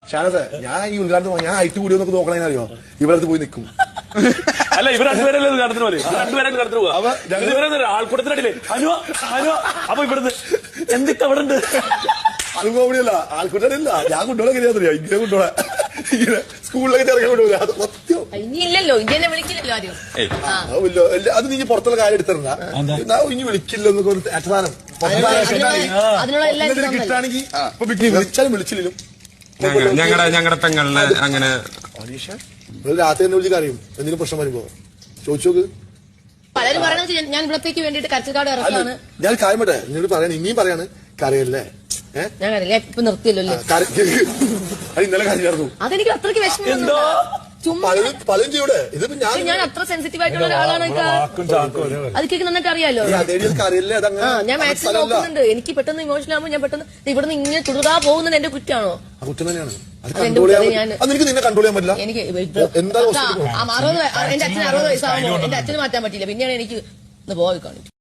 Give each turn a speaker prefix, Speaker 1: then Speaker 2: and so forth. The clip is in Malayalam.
Speaker 1: ഷാനത്തെ ഞാൻ ഈ ഉദ്ഘാടനം ഞാൻ ഹൈറ്റ് കൂടിയൊന്നൊക്കെ നോക്കണേനറിയോ ഇവിടത്ത് പോയി നിൽക്കും.
Speaker 2: അല്ല ഇവർ രണ്ടുപേരല്ലേ കടത്തിന് പോലെ രണ്ടുപേരായിട്ട് കടത്തിന് പോവാ ആൾക്കൂട്ടത്തിനടിയില്ലേ അനുവ അനുവ അപ്പൊ ഇവിടുന്ന് എന്തൊക്കെ അവിടെ ഉണ്ട്.
Speaker 1: അത് കോമഡിയല്ല, ആൾക്കൂട്ടല്ല. ഞാൻ കൊണ്ടുപോകാൻ കഴിയാറില്ല, ഇങ്ങനെ കൊണ്ടുപോകാൻ ഇങ്ങനെ സ്കൂളിലേക്ക് ഇറങ്ങാൻ കൊണ്ടുപോകില്ല. അത് സത്യം.
Speaker 3: ഇനിയില്ലല്ലോ, ഇങ്ങനെ വിളിക്കില്ലല്ലോ ആരും.
Speaker 1: അത് നീ പുറത്തുള്ള കാര്യം എടുത്തിരുന്ന ഇനി വിളിക്കില്ലെന്നൊക്കെ ഒരു അച്ഛനാനം കിട്ടാണെങ്കിൽ വിളിച്ചാലും വിളിച്ചില്ലും
Speaker 4: ഞങ്ങളുടെ പെങ്ങളിനെ അങ്ങനെ
Speaker 1: രാത്രി തന്നെ വിളിച്ച് കറിയും എന്തെങ്കിലും പ്രശ്നം വരുമ്പോ ചോദിച്ചു നോക്ക്.
Speaker 3: പലരും പറയണത് ഞാൻ ഇവിടത്തേക്ക് വേണ്ടിട്ട് കരച്ചിൽക്കാട് ഇറക്കാണ്.
Speaker 1: ഞാൻ കാര്യം പറ്റേ നിന്നോട് പറയാൻ ഇനിയും പറയാണ് കറിയല്ലേ
Speaker 3: ഞാൻ കറിയില്ല ഇപ്പൊ നിർത്തിയല്ലോ.
Speaker 1: ഇന്നലെ കറിയായിരുന്നു.
Speaker 3: അതെനിക്ക് അത്രയ്ക്ക് വിഷമം.
Speaker 1: പലരും ചെയ്യൂടെ ഇതിപ്പോ
Speaker 3: ഞാൻ അത്ര സെൻസിറ്റീവ് ആയിട്ടുള്ള ഒരാളാണ്. അതൊക്കെ നന്നായിട്ട് അറിയാലോ. ഞാൻ മാക്സിമം നോക്കുന്നുണ്ട്. എനിക്ക് പെട്ടെന്ന് ഇമോഷണൽ ആകുമ്പോൾ ഞാൻ പെട്ടെന്ന് ഇവിടുന്ന് ഇങ്ങനെ തുടരാ പോകുന്നത് എന്റെ കുറ്റമാണോ?
Speaker 1: കുറ്റം തന്നെയാണ്. നിന്നെ കൺട്രോൾ ചെയ്യാൻ പറ്റില്ല.
Speaker 3: എനിക്ക് എന്റെ അച്ഛന് 60 വയസ്സാകുമ്പോൾ എന്റെ അച്ഛന് മാറ്റാൻ പറ്റില്ല. പിന്നെയാണ് എനിക്ക് പോയി കാണിച്ചു.